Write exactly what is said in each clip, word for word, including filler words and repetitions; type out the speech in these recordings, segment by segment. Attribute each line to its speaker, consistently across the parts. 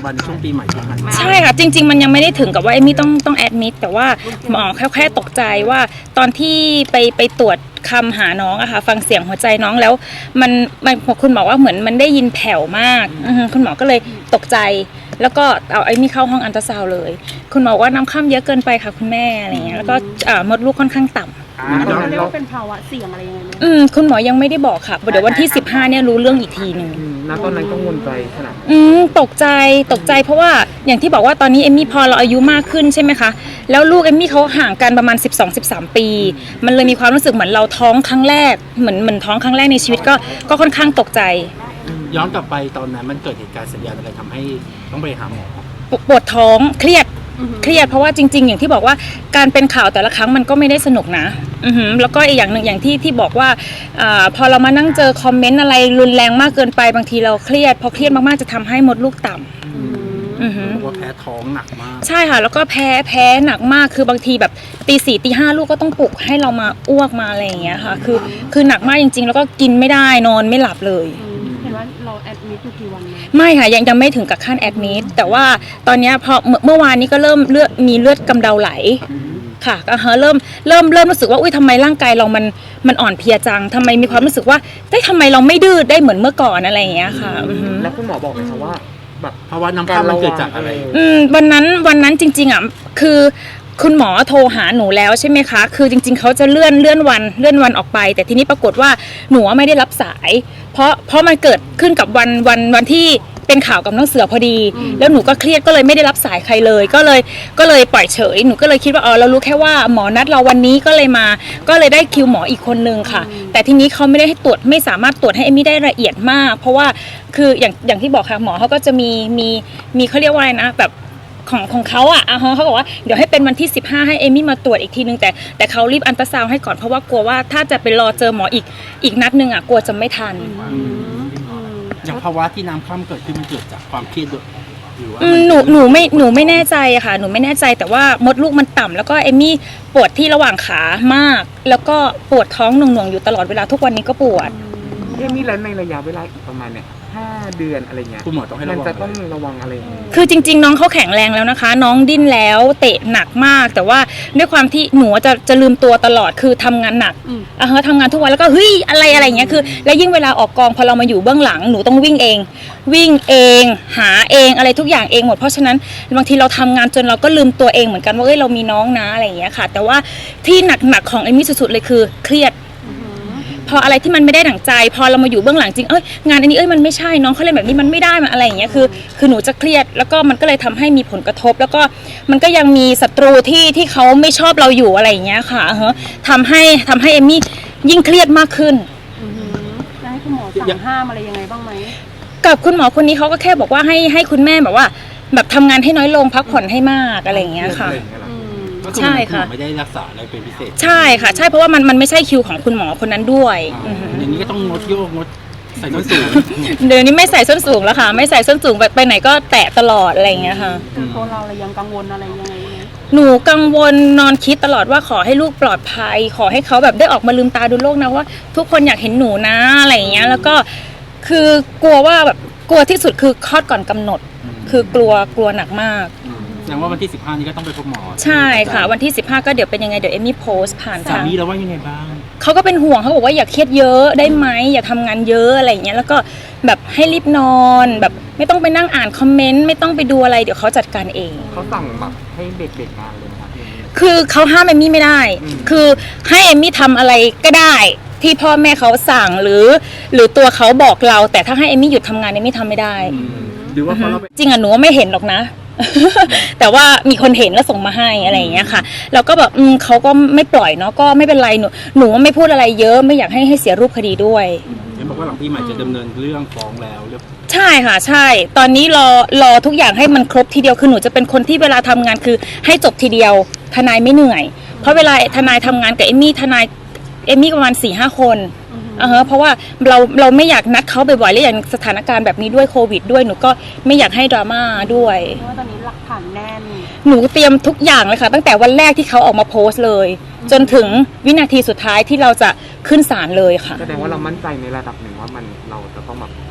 Speaker 1: บันช่วงปีใหม่ที่ผ่านมา
Speaker 2: ใช่ค่ะจริงๆมันยังไม่ได้ถึงกับว่าเอมมี่ต้องต้องแอดมิดแต่ว่าหมอแค่แค่ตกใจว่าตอนที่ไปไปตรวจคำหาน้องอะค่ะฟังเสียงหัวใจน้องแล้วมันมันคุณหมอว่าเหมือนมันได้ยินแผ่วมากคุณหมอก็เลยตกใจแล้วก็เอาเอมมี่เข้าห้องอัลตราซาวด์เลยคุณหมอว่าน้ำข้ามเยอะเกินไปค่ะคุณแม่อะไรเงี้ยแล้วก็มดลูกค่อนข้างต่ำ
Speaker 3: เขาเรียกว่าเป็นภาวะเสี่ยงอะไรยังไงไหม
Speaker 2: อืมคุณหมอยังไม่ได้บอกค่ะเดี๋ยววันที่สิบห้าเนี่ยรู้เรื่องอีกทีหนึ่ง
Speaker 1: ณตอนนั้นกังวลใจขนาด
Speaker 2: อืมตกใจตกใจเพราะว่าอย่างที่บอกว่าตอนนี้เอมมี่พอเราอายุมากขึ้นใช่ไหมคะแล้วลูกเอมมี่เขาห่างกันประมาณ สิบสอง สิบสาม ปีมันเลยมีความรู้สึกเหมือนเราท้องครั้งแรกเหมือนเหมือนท้องครั้งแรกในชีวิตก็ก็ค่อนข้างตกใจ
Speaker 1: ย้อนกลับไปตอนนั้นมันเกิดเหตุการณ์สัญญาณอะไรทำให้ต้องไปหาหมอ
Speaker 2: ปวดท้องเครียดเครียดเพราะว่าจริงๆอย่างที่บอกว่าการเป็นข่าวแต่ละครั้งมันก็ไม่ได้สนุกนะอือหือแล้วก็อีกอย่างหนึ่งอย่างที่ที่บอกว่าอ่าพอเรามานั่งเจอคอมเมนต์อะไรรุนแรงมากเกินไปบางทีเราเครียดพอเครียดมากๆจะทำให้มดลูกต่ำอือหือ
Speaker 1: ว่าแพ้ท้องหนักมาก
Speaker 2: ใช่ค่ะแล้วก็แพ้แพ้หนักมากคือบางทีแบบตีสี่ตีห้าลูกก็ต้องปลุกให้เรามาอ้วกมาอะไรอย่างเงี้ยค่ะคือคือหนักมากจริงๆแล้วก็กินไม่ได้นอนไม่หลับเลย
Speaker 3: เห็นว่าเราแอดมิดอยู่กี่วัน
Speaker 2: ไม่ค่ะยังยังไม่ถึงกับขั้นแอดมิดแต่ว่าตอนนี้พอเมื่อวานนี้ก็เริ่มเลือดมีเลือดกำเดาไหลค่ะก็เริ่มเริ่มเริ่มรู้สึกว่าอุ้ยทำไมร่างกายเรามันมันอ่อนเพลียจังทำไมมีความรู้สึกว่าได้ทำไมเราไม่ดื้อได้เหมือนเมื่อก่อนอะไรอย่างเงี้ยค่ะ
Speaker 1: แล้วคุณหมอบอกไหมคะว่าแบบภาวะน้ำข้ามมันเกิดจากอะไร
Speaker 2: อืมวันนั้นวันนั้นจริงๆอ่ะคือคุณหมอโทรหาหนูแล้วใช่ไหมคะคือจริงๆเขาจะเลื่อนเลื่อนวันเลื่อนวันออกไปแต่ทีนี้ปรากฏว่าหนูไม่ได้รับสายเพราะเพราะมันเกิดขึ้นกับวันวันวันที่เป็นข่าวกับน้องเสือพอดีแล้วหนูก็เครียดก็เลยไม่ได้รับสายใครเลยก็เลยก็เลยปล่อยเฉยหนูก็เลยคิดว่าอ๋อเรารู้แค่ว่าหมอนัดเราวันนี้ก็เลยมาก็เลยได้คิวหมออีกคนนึงค่ะแต่ทีนี้เขาไม่ได้ให้ตรวจไม่สามารถตรวจให้เอมมี่ได้ละเอียดมากเพราะว่าคืออย่างอย่างที่บอกค่ะหมอเขาก็จะมีมีมีเขาเรียกว่าอะไรนะแบบของของเขาอ่ะอ่ะเขาบอกว่าเดี๋ยวให้เป็นวันที่สิบห้าให้เอมมี่มาตรวจอีกทีนึงแต่แต่เขารีบอัลตราซาวด์ให้ก่อนเพราะว่ากลัวว่าถ้าจะไปรอเจอหมออีกอีกนัดนึงอ่ะกลัวจะไม่ทัน
Speaker 1: อย่างภาวะที่น้ำข้ามเกิดขึ้นมันเกิดจากความเครียดหรือว่า
Speaker 2: หนูหนูไม่หนูไม่แน่ใจอะค่ะหนูไม่แน่ใจแต่ว่ามดลูกมันต่ำแล้วก็เอมมี่ปวดที่ระหว่างขามากแล้วก็ปวดท้องหน่วงๆอยู่ตลอดเวลาทุกวันนี้ก็ปวด
Speaker 1: เอมมี่แล้วในระยะเวลาอีกประมาณเนี่ยห้าเดือนอะไรเงี้ยคุณหมอต้องให้ระวังมันจะต้องระวังอะไร
Speaker 2: คือจริงๆน้องเขาแข็งแรงแล้วนะคะน้องดิ้นแล้วเตะหนักมากแต่ว่าด้วยความที่หนูจะจะลืมตัวตลอดคือทำงานหนักอ่ะเฮ้ยทำงานทุกวันแล้วก็เฮ้ยอะไรอะไรเงี้ยคือแล้วยิ่งเวลาออกกองพอเรามาอยู่เบื้องหลังหนูต้องวิ่งเองวิ่งเองหาเองอะไรทุกอย่างเองหมดเพราะฉะนั้นบางทีเราทำงานจนเราก็ลืมตัวเองเหมือนกันว่าเอ้ยเรามีน้องนะอะไรอย่างเงี้ยค่ะแต่ว่าที่หนักๆของเอมมี่สุดๆเลยคือเครียดพออะไรที่มันไม่ได้ดั่งใจพอเรามาอยู่เบื้องหลังจริงเอ้ยงานอันนี้เอ้ยมันไม่ใช่น้องเขาเล่นแบบนี้มันไม่ได้มันอะไรอย่างเงี้ยคือคือหนูจะเครียดแล้วก็มันก็เลยทำให้มีผลกระทบแล้วก็มันก็ยังมีศัตรูที่ที่เขาไม่ชอบเราอยู่อะไรอย่างเงี้ยค่ะเฮ้ทำให้ทำให้เอมมี่ยิ่งเครียดมากขึ้น
Speaker 3: จะให้คุณหมอสั่งห้ามอะไรยังไงบ้างไหม
Speaker 2: กับคุณหมอคนนี้เขาก็แค่บอกว่าให้ให้คุณแม่แบบว่าแบบทำงานให้น้อยลงพักผ่อนให้มากอะไรอย่างเงี้ยค่ะ
Speaker 1: ใช่ค่ะไม่ได้รักษาอะไรเป็นพิเศษ
Speaker 2: ใช่ค่ะใช่เพราะว่ามันมันไม่ใช่คิวของคุณหมอคนนั้นด้วย
Speaker 1: อย่างนี้ก็ต้องงดโยกงดใส่ส้นสูง
Speaker 2: เดี๋ยวนี้ไม่ใส่ส้นสูงแล้วค่ะไม่ใส่ส้นสูงไปไหนก็แตะตลอดอะไรอย่างเงี้ยค่ะ
Speaker 3: คือตัวเรายังกังวลอะไรยังไง
Speaker 2: หนูกังวลนอนคิดตลอดว่าขอให้ลูกปลอดภัยขอให้เขาแบบได้ออกมาลืมตาดูโลกนะว่าทุกคนอยากเห็นหนูนะอะไรอย่างเงี้ยแล้วก็คือกลัวว่าแบบกลัวที่สุดคือคลอดก่อนกำหนดคือกลัวกลัวหนักมาก
Speaker 1: แสดงว่าวันที่สิบห้านี้ก็ต้องไปพบหมอ
Speaker 2: ใช่ค่ะวันที่สิบห้าก็เดี๋ยวเป็นยังไงเดี๋ยวเอมมี่โพสต์ผ่าน
Speaker 1: ทางสามีแล้วว่ายังไงบ้าง
Speaker 2: เขาก็เป็นห่วงเขาบอกว่าอย่าเครียดเยอะได้ไหมอย่าทำงานเยอะอะไรอย่างเงี้ยแล้วก็แบบให้รีบนอนแบบไม่ต้องไปนั่งอ่านคอมเมนต์ไม่ต้องไปดูอะไรเดี๋ยวเขาจัดการเอง
Speaker 1: เขาสั่งแบบให้เด็กๆงานเลยนะครับ
Speaker 2: คือเขาห้ามเอมมี่ไม่ได้คือให้เอมมี่ทำอะไรก็ได้ที่พ่อแม่เขาสั่งหรือหรือตัวเขาบอกเราแต่ถ้าให้เอมมี่หยุดทำงานเอมมี่ทำไม่ได้
Speaker 1: หรือว่าเขา
Speaker 2: จริงอ่ะหนูไม่เห็นหรอกนะแต่ว่ามีคนเห็นแล้วส่งมาให้อะไรอย่างเงี้ยค่ะเราก็แบบอืมเขาก็ไม่ปล่อยเนาะก็ไม่เป็นไรหนูหนูไม่พูดอะไรเยอะไม่อยากให้ให้เสียรูปคดีด้วย
Speaker 1: เห็นบอกว่าหลังปีใหม่จะดำเนินเรื่องฟ้องแล้วเรียบ
Speaker 2: ใช่ค่ะใช่ตอนนี้รอรอทุกอย่างให้มันครบทีเดียวคือหนูจะเป็นคนที่เวลาทำงานคือให้จบทีเดียวทนายไม่เหนื่อยเพราะเวลาทนายทำงานกับเอมมี่ทนายเอมมี่ประมาณสี่ห้าคนอ่าฮะเพราะว่าเราเราไม่อยากนัดเขาบ่อยๆและอย่างสถานการณ์แบบนี้ด้วยโควิดด้วยหนูก็ไม่อยากให้ดราม่าด้วย
Speaker 3: เพราะว่าตอนนี้หลักฐานแน่น
Speaker 2: หนูเตรียมทุกอย่างเลยค่ะตั้งแต่วันแรกที่เขาออกมาโพสต์เลยจนถึงวินาทีสุดท้ายที่เราจะขึ้นศาลเลยค่ะ
Speaker 1: แสดงว่าเรามั่นใจในระดับหนึ่งว่ามันเราจะต้องแบบชนะ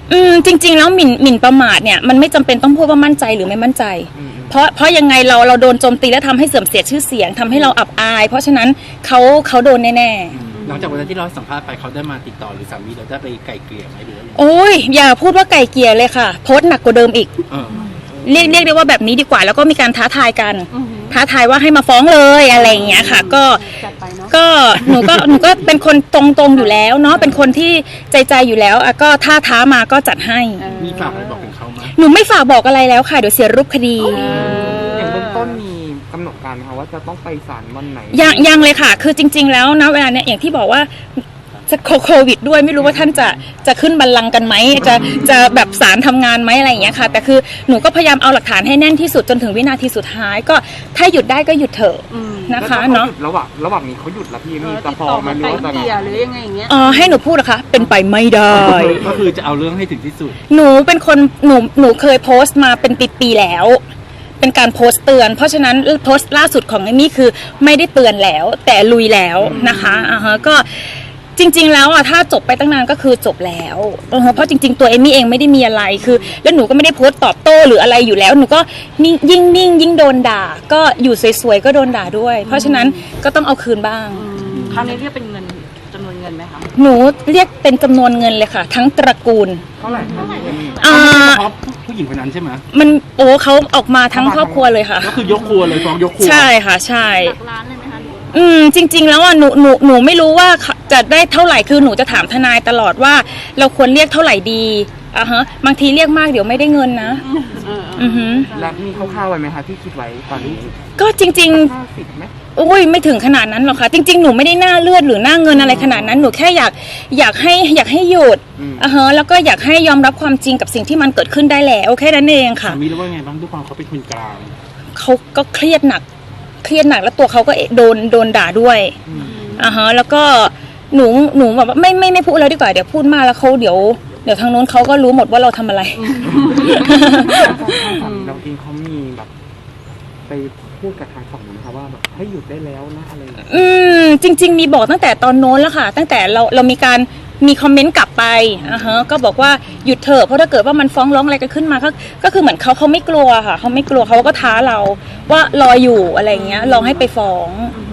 Speaker 2: อืมจริง ๆ แล้วหมิ่นหมิ่นประมาทเนี่ยมันไม่จำเป็นต้องพูดว่ามั่นใจหรือไม่มั่นใจ เพราะเพราะยังไงเราเราโดนโจมตีและทำให้เสื่อมเสียชื่อเสียงทำให้เราอับอาย เพราะฉะนั้นเขาเขาโดนแน่ๆ
Speaker 4: หลังจากวันนั้นที่เราสัมภาษณ์ไปเขาได้มาติดต่อหรือสามีเราได้ไปไกลเกลี่ยไหมหรือว่า
Speaker 2: โอ้ยอย่าพูดว่าไก่เกลียเลยค่ะ โพสต์หนักกว่าเดิมอีก
Speaker 4: เออ
Speaker 2: เรียกเรียกได้ว่าแบบนี้ดีกว่า แล้วก็มีการท้าทายกัน
Speaker 3: อือหือ
Speaker 2: ท้าทายว่าให้มาฟ้องเลยอะไรอย่างเงี้ยค่ะ ก็
Speaker 3: จัดไปเนาะ
Speaker 2: ก็หนูก็หนูก็เป็นคนตรงๆอยู่แล้วเนาะเป็นคนที่ใจใจอยู่แล้วอ่ะก็ถ้าท้ามาก็จัดให้
Speaker 3: เออ
Speaker 4: มีฝากอะไรบอกถึงเขาไหม
Speaker 2: หนูไม่ฝากบอกอะไรแล้วค่ะเดี๋ยวเสียรูปคดี
Speaker 1: อย่างเบื้องต้นมีกำหนดการไหมคะว่าจะต้องไปศาลวันไหน
Speaker 2: ยังยังเลยค่ะ คือจริง ๆ แล้วนะเวลาเนี้ยอย่างที่บอกว่าจะโควิดด้วยไม่รู้ว่าท่านจะจะขึ้นบัลลังก์กันไหมจะจะแบบศาลทำงานไหมอะไรอย่างเงี้ยค่ะ แต่คือหนูก็พยายามเอาหลักฐานให้แน่นที่สุดจนถึงวินาทีสุดท้าย ก็ถ้าหยุดได้ก็หยุดเถอะ
Speaker 3: อืม
Speaker 2: นะคะ
Speaker 1: แล้ว
Speaker 2: เนาะ
Speaker 1: ขหยุดระหว่างระหว่างนี้เขาหยุดแล้วพี่
Speaker 3: เอ
Speaker 1: มี
Speaker 3: อ
Speaker 1: จะ
Speaker 3: ติด
Speaker 1: ฟ้อ
Speaker 3: ต่อง
Speaker 1: ไหม
Speaker 3: มา
Speaker 1: หรือ
Speaker 3: ไกล
Speaker 1: ว่าจะ
Speaker 3: เกลี่ยหรือยังไงอย่างเงี้ย
Speaker 2: เออให้หนูพูดนะคะเป็นไปไม่ได้
Speaker 4: ก็คือจะเอาเรื่องให้ถึงที่สุด
Speaker 2: หนูเป็นคนหนูหนูเคยโพสต์มาเป็นปีๆแล้ว เป็นการโพสต์เตือน เพราะฉะนั้นโพสต์ล่าสุดของเอมี่คือไม่ได้เตือนแล้ว แต่ลุยแล้วนะคะอ่าฮะก็จริง ๆ แล้วอ่ะถ้าจบไปตั้งนานก็คือจบแล้วอ่าฮะเพราะจริง ๆ ตัวเอมี่เองไม่ได้มีอะไรคือ แล้วหนูก็ไม่ได้โพสต์ตอบโต้หรืออะไรอยู่แล้วหนูก็นิ่งยิ่งนิ่งยิ่งโดนด่า ก็อยู่สวยๆก็โดนด่าด้วย เพราะฉะนั้นก็ต้องเอาคืนบ้าง
Speaker 3: คราวนี้เรียกเป็นเงินจำนวนเงินไหมคะ
Speaker 2: หนูเรียกเป็นจำนวนเงินเลยค่ะ ทั้งตระกูล
Speaker 1: เท่าไหร่คะพี่เอมี่
Speaker 2: อ่า
Speaker 4: เพราะผู้หญิงคนนั้นใช่ไหม
Speaker 2: มันโอ้เขาออกมาทั้งครอบครัวเลยค่ะ
Speaker 4: ก็คือยกครัวเลยฟ้องยกครัว
Speaker 2: ใช่ค่ะใช่อืมจริง ๆ แล้วอ่ะหนูหนูหนูไม่รู้ว่าจะได้เท่าไหร่คือหนูจะถามทนายตลอดว่า เราควรเรียกเท่าไหร่ดีอ่ะฮะบางทีเรียกมากเดี๋ยวไม่ได้เงินนะ
Speaker 3: เออ
Speaker 2: อือหือ
Speaker 1: แล้วมีคร่าวๆไว้ไหมคะที่คิดไว้ตอนนี้
Speaker 2: ก็จริง
Speaker 1: ห้าสิบไหม
Speaker 2: ๆโอ้ยไม่ถึงขนาดนั้นหรอกค่ะ จริง ๆ หนูไม่ได้หน้าเลือดหรือหน้าเงินอะไรขนาดนั้นหนูแค่อยากอยากให้อยากให้หยุดอ่ะฮะแล้วก็อยากให้ยอมรับความจริงกับสิ่งที่มันเกิดขึ้นได้แล้วแค่นั้นเองค่ะ
Speaker 4: สามีรู้ว่าไงบ้างด้วยความเขาเป็นคนกลาง
Speaker 2: เขาก็เครียดหนัก เครียดหนักแล้วตัวเขาก็โดนโดนด่าด้วยอ่าฮะแล้วก็หนูหนูแบบว่าไม่ไม่ไม่พูดแล้วดีกว่าเดี๋ยวพูดมากแล้วเขาเดี๋ยวเดี๋ยวทางโน้นเขาก็รู้หมดว่าเราทำอะไร
Speaker 1: เราเองเขามีแบบไปพูดกับทางฝั่งนู้นค่ะว่าแบบให้หยุดได้แล้วนะอะไรอย่างเงี้ย
Speaker 2: อืมจริง ๆ มีบอกตั้งแต่ตอนโน้นแล้วค่ะ ตั้งแต่เราเรามีการมีคอมเมนต์กลับไปอ่าฮะก็บอกว่าหยุดเถอะเพราะถ้าเกิดว่ามันฟ้องร้องอะไรกันขึ้นมาก็ก็คือเหมือนเขาเขาไม่กลัวค่ะเขาไม่กลัวเขาก็ท้าเราว่ารออยู่อะไรเงี้ยรอให้ไปฟ้อง
Speaker 3: อืม